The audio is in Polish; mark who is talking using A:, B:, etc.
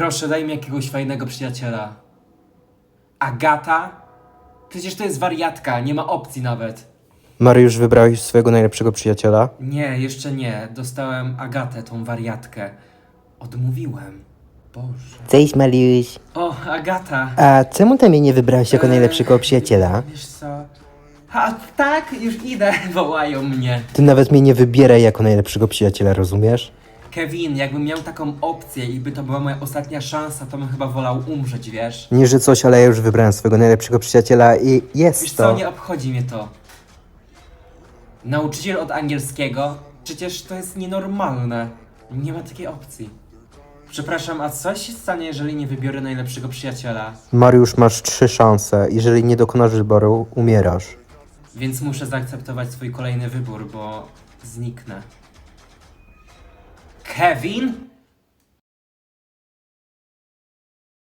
A: Proszę, daj mi jakiegoś fajnego przyjaciela. Agata? Przecież to jest wariatka, nie ma opcji nawet.
B: Mariusz, wybrałeś swojego najlepszego przyjaciela?
A: Nie, jeszcze nie. Dostałem Agatę, tą wariatkę. Odmówiłem. Boże.
B: Cześć, Mariusz.
A: O, Agata.
B: A czemu ty mnie nie wybrałeś jako najlepszego przyjaciela?
A: Wiesz co? A tak, już idę. Wołają mnie.
B: Ty nawet mnie nie wybieraj jako najlepszego przyjaciela, rozumiesz?
A: Kevin, jakbym miał taką opcję i by to była moja ostatnia szansa, to bym chyba wolał umrzeć, wiesz?
B: Nie, że coś, ale ja już wybrałem swojego najlepszego przyjaciela i
A: Wiesz
B: jest
A: co,
B: to.
A: nie obchodzi mnie to. Nauczyciel od angielskiego? Przecież to jest nienormalne. Nie ma takiej opcji. Przepraszam, a co się stanie, jeżeli nie wybiorę najlepszego przyjaciela?
B: Mariusz, masz 3 szanse. Jeżeli nie dokonasz wyboru, umierasz.
A: Więc muszę zaakceptować swój kolejny wybór, bo zniknę. Kevin?